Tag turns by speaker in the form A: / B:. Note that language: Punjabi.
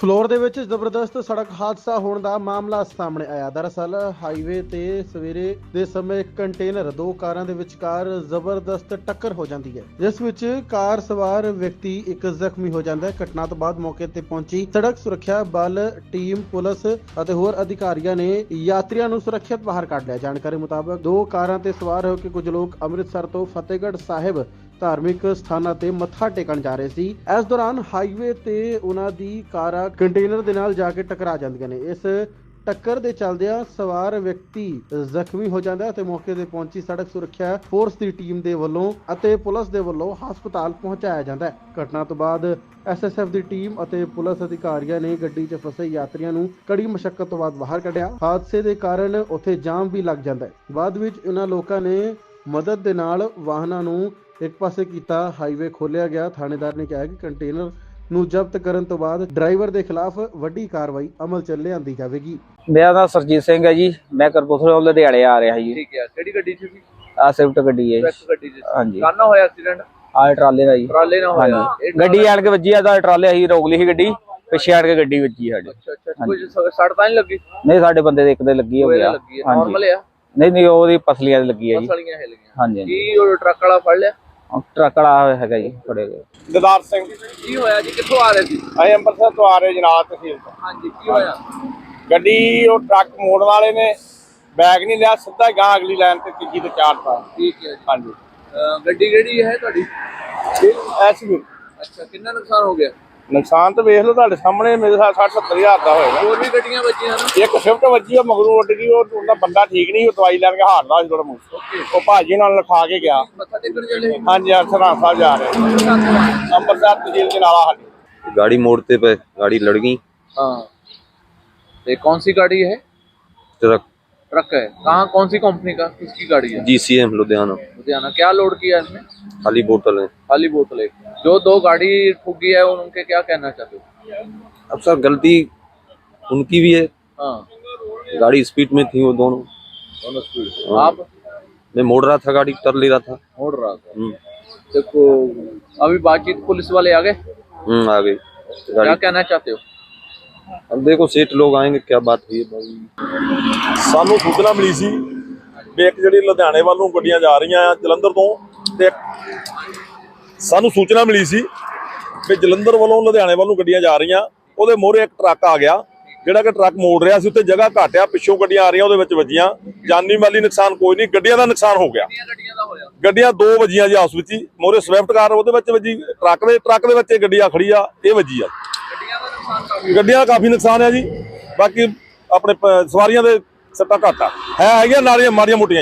A: ਫਲੋਰ ਦੇ ਵਿੱਚ ਜ਼ਬਰਦਸਤ ਸੜਕ ਹਾਦਸਾ ਹੋਣ ਦਾ ਮਾਮਲਾ ਸਾਹਮਣੇ ਆਇਆ। ਦਰਅਸਲ ਹਾਈਵੇ ਤੇ ਸਵੇਰੇ ਦੇ ਸਮੇਂ ਇੱਕ ਕੰਟੇਨਰ ਦੋ ਕਾਰਾਂ ਦੇ ਵਿਚਕਾਰ ਜ਼ਬਰਦਸਤ ਟੱਕਰ ਹੋ ਜਾਂਦੀ ਹੈ, ਜਿਸ ਵਿੱਚ ਕਾਰ ਸਵਾਰ ਵਿਅਕਤੀ ਇੱਕ ਜ਼ਖਮੀ ਹੋ ਜਾਂਦਾ ਹੈ। ਘਟਨਾ ਤੋਂ ਬਾਅਦ ਮੌਕੇ ਤੇ ਪਹੁੰਚੀ ਸੜਕ ਸੁਰੱਖਿਆ ਬਲ ਟੀਮ, ਪੁਲਿਸ ਅਤੇ ਹੋਰ ਅਧਿਕਾਰੀਆਂ ਨੇ ਯਾਤਰੀਆਂ ਨੂੰ ਸੁਰੱਖਿਅਤ ਬਾਹਰ ਕੱਢ ਲਿਆ। ਜਾਣਕਾਰੀ ਮੁਤਾਬਕ ਦੋ ਕਾਰਾਂ ਤੇ ਸਵਾਰ ਹੋ ਕੇ ਕੁਝ ਲੋਕ ਅੰਮ੍ਰਿਤਸਰ ਤੋਂ ਫਤਿਹਗੜ੍ਹ ਸਾਹਿਬ ਧਾਰਮਿਕ ਸਥਾਨਾਂ ਤੇ ਮੱਥਾ ਟੇਕਣ ਜਾ ਰਹੇ ਸੀ। ਇਸ ਦੌਰਾਨ ਹਾਈਵੇ ਤੇ ਉਹਨਾਂ ਦੀ ਕਾਰਾਂ ਕੰਟੇਨਰ ਦੇ ਨਾਲ ਜਾ ਕੇ ਟਕਰਾ ਜਾਂਦੀਆਂ ਨੇ। ਇਸ ਟੱਕਰ ਦੇ ਚੱਲਦਿਆਂ ਸਵਾਰ ਵਿਅਕਤੀ ਜ਼ਖਮੀ ਹੋ ਜਾਂਦਾ ਹੈ ਤੇ ਮੌਕੇ ਤੇ ਪਹੁੰਚੀ ਸੜਕ ਸੁਰੱਖਿਆ ਫੋਰਸ ਦੀ ਟੀਮ ਦੇ ਵੱਲੋਂ ਅਤੇ ਪੁਲਿਸ ਦੇ ਵੱਲੋਂ ਹਸਪਤਾਲ ਪਹੁੰਚਾਇਆ ਜਾਂਦਾ ਹੈ। ਘਟਨਾ ਤੋਂ ਬਾਅਦ ਐਸਐਸਐਫ ਦੀ ਟੀਮ ਅਤੇ ਪੁਲਿਸ ਅਧਿਕਾਰੀਆਂ ਨੇ ਗੱਡੀ 'ਚ ਫਸੇ ਯਾਤਰੀਆਂ ਨੂੰ ਕੜੀ ਮੁਸ਼ੱਕਤ ਤੋਂ ਬਾਅਦ ਬਾਹਰ ਕੱਢਿਆ। ਹਾਦਸੇ ਦੇ ਕਾਰਨ ਉੱਥੇ ਜਾਮ ਵੀ ਲੱਗ ਜਾਂਦਾ ਹੈ। ਬਾਅਦ ਵਿੱਚ ਇਹਨਾਂ ਲੋਕਾਂ ਨੇ ਮਦਦ ਦੇ ਨਾਲ ਵਾਹਨਾਂ ਨੂੰ ਇੱਕ ਪਾਸੇ ਕੀਤਾ। ਹਾਈਵੇ ਖੋਲਿਆ ਗਿਆ। ਥਾਣੇਦਾਰ ਨੇ ਕਿਹਾ ਕਿ ਕੰਟੇਨਰ ਨੂੰ ਜ਼ਬਤ ਕਰਨ ਤੋਂ ਬਾਅਦ ਡਰਾਈਵਰ ਦੇ ਖਿਲਾਫ ਵੱਡੀ ਕਾਰਵਾਈ ਅਮਲ 'ਚ ਲਿਆਂਦੀ ਜਾਵੇਗੀ।
B: ਮੇਰਾ ਨਾਮ ਸਰਜੀਤ ਸਿੰਘ ਹੈ ਜੀ। ਮੈਂ ਕਰਪੂਰਥਲੇ ਲੁਧਿਆਣੇ ਆ ਰਿਹਾ ਜੀ।
C: ਠੀਕ ਹੈ। ਕਿਹੜੀ ਗੱਡੀ 'ਚ ਸੀ?
B: ਆ ਸਵਿਫਟ ਗੱਡੀ ਹੈ
C: ਸਵਿਫਟ ਗੱਡੀ 'ਚ।
B: ਹਾਂਜੀ।
C: ਕਾਹਨਾਂ ਹੋਇਆ ਐਕਸੀਡੈਂਟ?
B: ਆ ਟਰਾਲੇ ਦਾ ਜੀ।
C: ਟਰਾਲੇ ਨਾਲ ਹੋਇਆ।
B: ਗੱਡੀ ਆਣ ਕੇ ਵੱਜੀ ਆ ਤਾਂ ਟਰਾਲੇ ਅਸੀਂ ਰੋਕ ਲਈ ਸੀ ਗੱਡੀ, ਪਿੱਛੇ ਆਣ ਕੇ ਗੱਡੀ ਵੱਜੀ ਸਾਡੇ।
C: ਅੱਛਾ। ਕੋਈ ਸੜ ਤਾਂ ਨਹੀਂ ਲੱਗੀ?
B: ਨਹੀਂ, ਸਾਡੇ ਬੰਦੇ ਦੇ ਇੱਕ ਦੇ ਲੱਗੀ ਹੋ ਗਿਆ।
C: ਨਾਰਮਲ ਆ?
B: ਨਹੀਂ ਉਹਦੀ ਪਸਲੀਆਂ ਦੀ ਲੱਗੀ ਹੈ ਜੀ।
C: ਪਸਲੀਆਂ ਹਿੱਲ ਗਈਆਂ।
B: ਹਾਂਜੀ।
C: ਕੀ ਉਹ ਟਰੱਕ ਵਾਲਾ ਫੜ ਲਿਆ?
B: ਟਰੱਕ ਵਾਲਾ ਹੈਗਾ ਜੀ, ਫੜੇ ਗਏ।
D: ਦਦਾਰ ਸਿੰਘ
C: ਕੀ ਹੋਇਆ ਜੀ? ਕਿੱਥੋਂ ਆ ਰਹੇ ਸੀ?
D: ਅਸੀਂ ਅੰਮ੍ਰਿਤਸਰ ਤੋਂ ਆ ਰਹੇ ਜਨਾਬ ਤਹਿਸੀਲ ਤੋਂ।
C: ਹਾਂਜੀ। ਕੀ ਹੋਇਆ?
D: ਗੱਡੀ ਉਹ ਟਰੱਕ ਮੋੜਨ ਵਾਲੇ ਨੇ ਬੈਗ ਨਹੀਂ ਲਿਆ, ਸਿੱਧਾ ਗਾਂ ਅਗਲੀ ਲਾਈਨ ਤੇ ਤੀਜੀ ਤੇ ਚਾੜਤਾ।
C: ਠੀਕ ਹੈ ਜੀ।
D: ਹਾਂਜੀ।
C: ਗੱਡੀ ਕਿਹੜੀ ਹੈ ਤੁਹਾਡੀ?
D: ਐਸਯੂ।
C: ਅੱਛਾ। ਕਿੰਨਾ ਨੁਕਸਾਨ ਹੋ ਗਿਆ?
D: ਨੁਕਸਾਨ ਤਾਂ ਵੇਖ ਲਓ ਤੁਹਾਡੇ ਸਾਹਮਣੇ, ਮੇਰੇ ਸਾਹ 60-70 ਹਜ਼ਾਰ ਦਾ ਹੋਏਗਾ।
C: ਹੋਰ ਵੀ ਗੱਡੀਆਂ ਵੱਜੀਆਂ ਨਾ?
D: ਇੱਕ ਸਵਿਫਟ ਵੱਜੀ, ਉਹ ਮਗਰੋਂ ਉੱਡ ਗਈ। ਉਹਦਾ ਬੰਦਾ ਠੀਕ ਨਹੀਂ, ਉਹ ਦਵਾਈ ਲੈਣ ਕੇ ਹਾਰਦਾ ਸੀ ਥੋੜਾ ਮੂੰਹ। ਉਹ ਭਾਜੀ ਨਾਲ ਲਿਖਾ ਕੇ ਗਿਆ।
C: ਮੱਥਾ ਟੇਕਣ ਚੱਲੇ?
D: ਹਾਂਜੀ। ਸਰਹੰਦ ਸਾਹਿਬ ਜਾ ਰਹੇ ਅੰਮ੍ਰਿਤਸਰ ਤਹਿਸੀਲ ਜਨਾਲਾ। ਸਾਡੀ
E: गाड़ी मोड़ते पे गाड़ी लड़ गई।
C: हाँ। ये कौन सी गाड़ी है?
E: ट्रक
C: ट्रक है। कहाँ, कौन सी कंपनी का, किसकी गाड़ी है?
E: GCM लुधियाना।
C: लुधियाना। क्या लोड किया इसमें?
E: खाली बोतल है।
C: खाली बोतल है। जो दो गाड़ी ठुकी है उनके क्या कहना चाहते हो?
E: अब सर गलती उनकी भी है।
C: हाँ।
E: गाड़ी स्पीड में थी वो दोनों
C: स्पीड।
E: हाँ।
C: आप?
E: मैं मोड़ रहा था, गाड़ी कर ले रहा था।
C: मोड़ रहा था। देखो अभी बातचीत पुलिस वाले आ गए?
E: आ गई
C: क्या
E: गाड़ी।
C: कहना चाहते हो?
E: अब देखो सेठ लोग आएंगे, क्या बात हुई है भाई।
F: ਸਾਨੂੰ ਸੂਚਨਾ ਮਿਲੀ ਸੀ ਵੀ ਇੱਕ ਜਿਹੜੀ ਲੁਧਿਆਣੇ ਵੱਲ ਨੂੰ ਗੱਡੀਆਂ ਜਾ ਰਹੀਆਂ ਆ ਜਲੰਧਰ ਤੋਂ, ਤੇ ਸਾਨੂੰ ਸੂਚਨਾ ਮਿਲੀ ਸੀ ਵੀ ਜਲੰਧਰ ਵੱਲੋਂ ਲੁਧਿਆਣੇ ਵੱਲ ਨੂੰ ਗੱਡੀਆਂ ਜਾ ਰਹੀਆਂ। ਉਹਦੇ ਮੋਹਰੇ ਇੱਕ ਟਰੱਕ ਆ ਗਿਆ, ਜਿਹੜਾ ਕਿ ਟਰੱਕ ਮੋੜ ਰਿਹਾ ਸੀ। ਉੱਤੇ ਜਗ੍ਹਾ ਘੱਟ ਆ, ਪਿੱਛੋਂ ਗੱਡੀਆਂ ਆ ਰਹੀਆਂ, ਉਹਦੇ ਵਿੱਚ ਵੱਜੀਆਂ। ਜਾਨੀ ਮਾਲੀ ਨੁਕਸਾਨ ਕੋਈ ਨਹੀਂ, ਗੱਡੀਆਂ ਦਾ ਨੁਕਸਾਨ ਹੋ ਗਿਆ। ਗੱਡੀਆਂ ਦੋ ਵੱਜੀਆਂ ਜੀ ਆਪਸ ਵਿੱਚ ਹੀ। ਮੋਹਰੇ ਸਵਿਫਟ ਕਾਰ ਉਹਦੇ ਵਿੱਚ ਵੱਜੀ, ਟਰੱਕ ਦੇ ਵਿੱਚ ਇਹ ਗੱਡੀ ਆ ਖੜੀ ਆ, ਇਹ ਵੱਜੀ ਆ। ਗੱਡੀਆਂ ਦਾ ਕਾਫੀ ਨੁਕਸਾਨ ਆ ਜੀ। ਬਾਕੀ ਆਪਣੇ ਸਵਾਰੀਆਂ ਦੇ ਸੱਟਾਂ ਘੱਟ ਆ, ਹੈਗੀਆਂ ਨਾਲੀਆਂ ਮਾੜੀਆਂ ਮੋਟੀਆਂ।